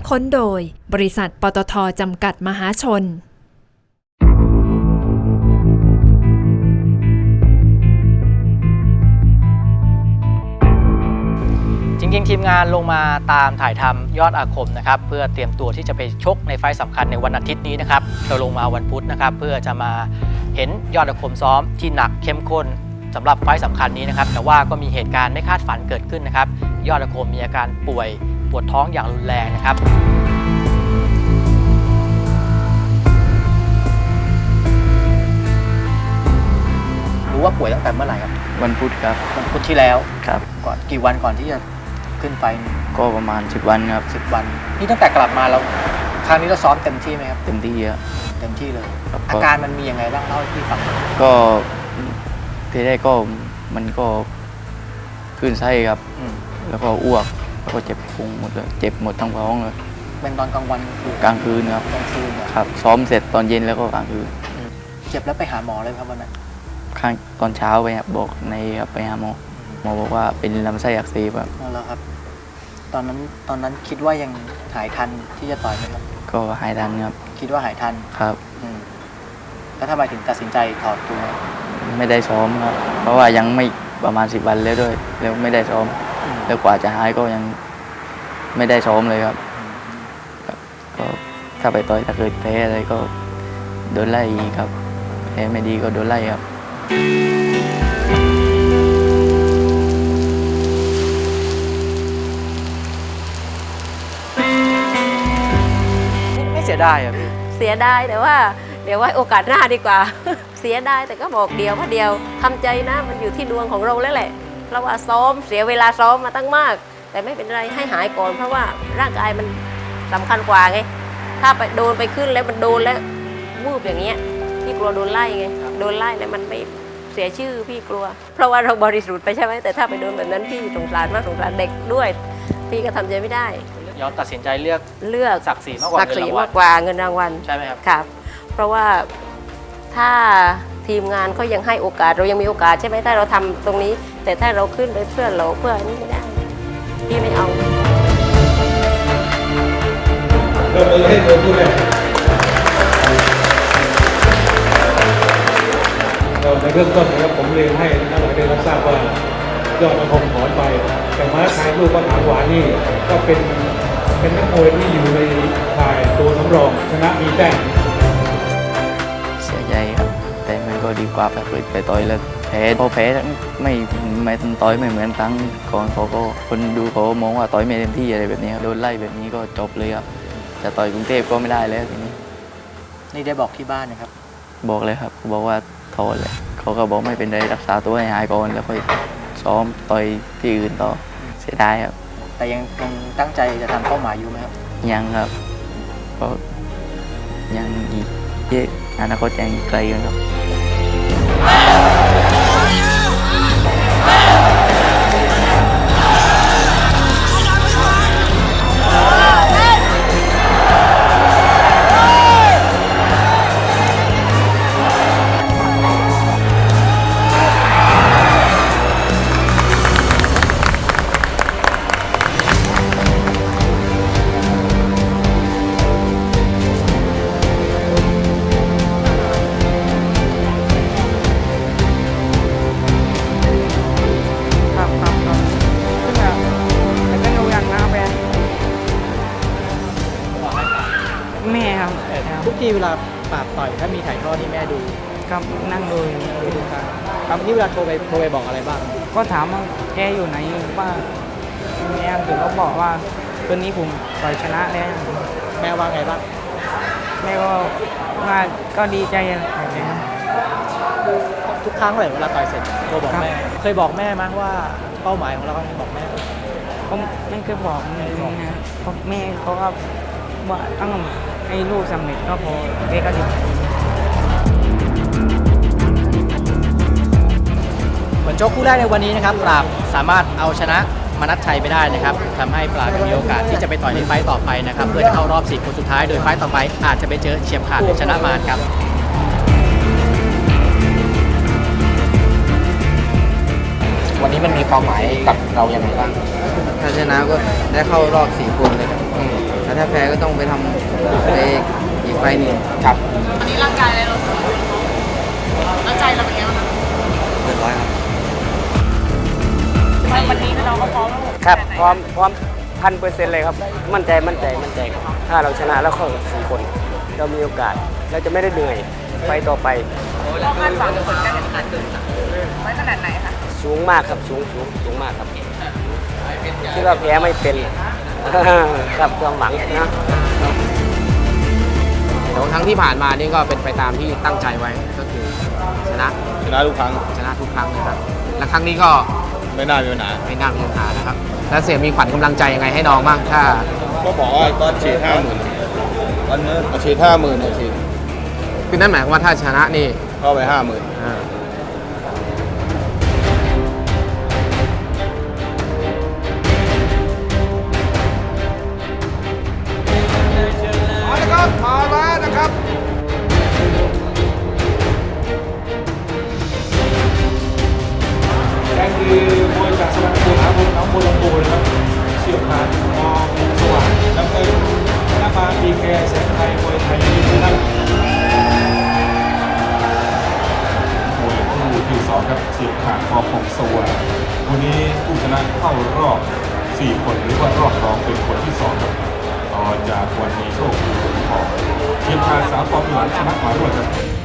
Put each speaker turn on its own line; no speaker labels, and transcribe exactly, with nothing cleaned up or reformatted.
ค้นโดยบริษัทปตท.จำกัดมหาชน
จริงๆทีมงานลงมาตามถ่ายทำยอดอาคมนะครับเพื่อเตรียมตัวที่จะไปชกในไฟต์สำคัญในวันอาทิตย์นี้นะครับเราลงมาวันพุธนะครับเพื่อจะมาเห็นยอดอาคมซ้อมที่หนักเข้มข้นสำหรับไฟต์สำคัญนี้นะครับแต่ว่าก็มีเหตุการณ์ไม่คาดฝันเกิดขึ้นนะครับยอดอาคมมีอาการป่วยปวดท้องอย่างรุนแรงนะครับรู้ว่าป่วยตั้งแต่เมื่อไหร่ครับ
วันพุธครับ
วันพุธที่แล้ว
ครับ
ก่อนกี่วันก่อนที่จะขึ้นไฟ
ก็ประมาณสิบวันครับ
สิบวันนี่ตั้งแต่กลับมาเราครั้งนี้เราซ้อมเต็มที่ไหมครับ
เต็มที่ครับ
เต็มที่เลยอาการมันมียังไงบ้างเล่าให้พี่ฟัง
ก็ทีแรกก็มันก็คลื่นไส้ครับแล้วก็อ้วกแล้วก็เจ็บพุงหมดเลยเจ็บหมดทั้งท้องเลย
เป็นตอนกลางวัน
กลางคืนครับ
กลางคืน
ครับซ้อมเสร็จตอนเย็นแล้วก็กลางคืน
เจ็บแล้วไปหาหมอเลยครับวันนั้น
ข้างตอนเช้าไปบอกในไปหาหมอหมอบอกว่าเป็นลำไส้อักเสบครับ
นั่นแล้วครับตอนนั้นตอนนั้นคิดว่ายังหายทันที่จะต่อยไหมครับ
ก็หายทันครับ
คิดว่าหายทัน
ครับ
แล้วทำไมถึงตัดสินใจถอดตัว
ไม่ได้ซ้อมครับเพราะว่ายังไม่ประมาณสิบวันแล้วด้วยแล้วไม่ได้ซ้อมแล้วกว่าจะหายก็ยังไม่ได้ซ้อมเลยครับก็ถ้าไปต่อยถ้าเกิดแพ้อะไรก็โดนไล่ครับแพ้ไม่ดีก็โดนไล่ครับ
ไม่เสียดายอ่ะพี่
เสียดายแต่ว่าเดี๋ยวไว้โอกาสหน้าดีกว่า เสียดายแต่ก็บอกเดียวว่าเดียวทำใจนะมันอยู่ที่ดวงของเราแล้วแหละเพราะว่าซ้อมเสียเวลาซ้อมมาตั้งมากแต่ไม่เป็นไรให้หายก่อนเพราะว่าร่างกายมันสำคัญกว่าไงถ้าไปโดนไปขึ้นแล้วมันโดนแล้ววูบอย่างเงี้ยพี่กลัวโดนไล่ไงโดนไล่แล้วมันไม่เสียชื่อพี่กลัวเพราะว่าเราบริสุทธิ์ไปใช่ไหมแต่ถ้าไปโดนแบบนั้นพี่สงสารมากสงสารเด็กด้วยพี่ก็ทำใจไม่ได้
ยอมตัดสินใจเลือก
เลือก
ศักดิ์ศรีมากกว่า
ศักดิ์ศรีมากกว่าเงินรางวัล
ใช่ไหมครับ
ครับเพราะว่าถ้าทีมงานเขายังให้โอกาสเรายังมีโอกาสใช่ไหมถ้าเราทำตรงนี้แต่ถ้าเราขึ้นไปเพื่อเราเพื่อนี้ไม่ได้พี่ไม่เอา
เริ่มเลยให้เริ่มเลยเราในเรื่องต้นนะครับผมเรียนให้นักหลายได้รับทราบว่ายอดอาคมถอนไปแต่ม้าชายลูกก็ถามหวานนี่ก็เป็นเป็นนักมวยที่อยู่ในข่ายตัวสำรองชนะมีแต้ม
เสียใจครับแต่มันก็ดีกว่าแบบไปต่อยแล้วแพ้พอแพ้ไม่ไม่ต่อยไม่เหมือนครั้งก่อนเขาก็คนดูเขามองว่าต่อยไม่เต็มที่อะไรแบบนี้โดนไล่แบบนี้ก็จบเลยครับจะต่อยกรุงเทพก็ไม่ได้แล้วทีนี้
นี่ได้บอกที่บ้านนะครับ
บอกเลยครับบอกว่าถอนเลยเขาก็บอกไม่เป็นไรรักษาตัวให้หายก่อนแล้วค่อยซ้อมต่อยที่อื่นต่อเสียดายครับ
แต่ยังยังตั้งใจจะทำเป้าหมายอยู่ไหมครับ
ยังครับก็ยังอีกเยอะอนาคตยังไกลกันครับ
แม่ครับ
ทุกทีเวลาปราบต่อยถ้ามีถ่ายทอดนี่แม่ดู
ครับนั่งดู
ดูครับครับนี่เวลาโทรไปโทรไปบอกอะไรบ้าง
ก็ถามว่าแกอยู่ไหนว่าแม่ถึงเขาบอกว่าตัวนี้ผมต่อยชนะแล้ว
แม่ว่าไงบ้าง
แม่ก็ว่าก็ดีใจ
ทุกครั้งเลยเวลาต่อยเสร็จโทรบอกแม่เคยบอกแม่มั้ยว่าเป้าหมายของเราต้องบอกแม่
ผมไม่เคยบอกเลยนะเพราะแม่เขาก็ว่าต้องให้ลูกสำเร็จก็พอแม่ก็ดี
ผลโชคคู่แรกในวันนี้นะครับปราบสามารถเอาชนะมนัสชัยไปได้นะครับทำให้ปราบมีโอกาสที่จะไปต่อยในไฟต์ต่อไปนะครับเพื่อจะเข้ารอบสี่คนสุดท้ายโดยไฟต์ต่อไปอาจจะไปเจอเฉียบขาดหรือชนะมารครับวันนี้มันมีความหมายกับเราอย่างไรบ้าง
ถ้าชนะก็ได้เข้ารอบสี่คนเลยค
แต่ถ้าแพ้ก็ต้องไปทำไปอีกไฟหนึ่ง
ครับ
วันนี้ร่างกายอะไรเราสูงแล้วใจเราเป็นไงบ้างคะ
เรียบร้อยครับ
วันนี้เราก็พร้อม
ครับพร้อมพร้อมพันเปอร์เซ็นต์เลยครับ มั่นใจมั่นใจมั่นใจครับถ้าเราชนะแล้วเข้าสี่คน เรามีโอกาสเราจะไม่ได้เหนื่อยไปต่อไป
เราคาดหวังผลการแข่งขันไว้ขนาดไหนคะ
สูงมากครับสูงสูงสูงมากครับคิดว่าแพ้ไม่เป็น ครับความหวังนะ
แต่ว่าครั้งที่ผ่านมานี่ก็เป็นไปตามที่ตั้งใจไว้ก็คือชนะ
ชนะทุกครั้ง
ชนะทุกครั้งนะครับและครั้งนี้ก็
ไม่น่ามีปัญหา
ไม่น่ามีปัญหานะครับแล้วเสียมีขวัญกำลังใจยังไงให้น้องบ้างถ้า
ก็บอกว่าก็ฉีดห้าหมื่นวันนี้ฉีดห้าหมื่นฉีด
คือนั่นหมายความว่าถ้าชนะนี่
เข้าไปห้าหมื่น
อ่า
มาแล้วครับมาแล้วนะครับ
แดงคือมวยจากสระบุรีนะครับน้องบัวลำพูนะครับเชี่ยวชาญมองสว่างน้ำเงินหน้ามาดีแคร์แสงไทยมวยไทยนะครับมวยคู่ที่สองครับเฉียบขาดพอของสว่างวันนี้ผู้ชนะเข้ารอบสี่คนหรือว่ารอบรองเป็นคนที่สองครับต่อจากวันนี้โชคดีของเฉียบขาดสามปอนด์หลังชนะมาด้วยครับ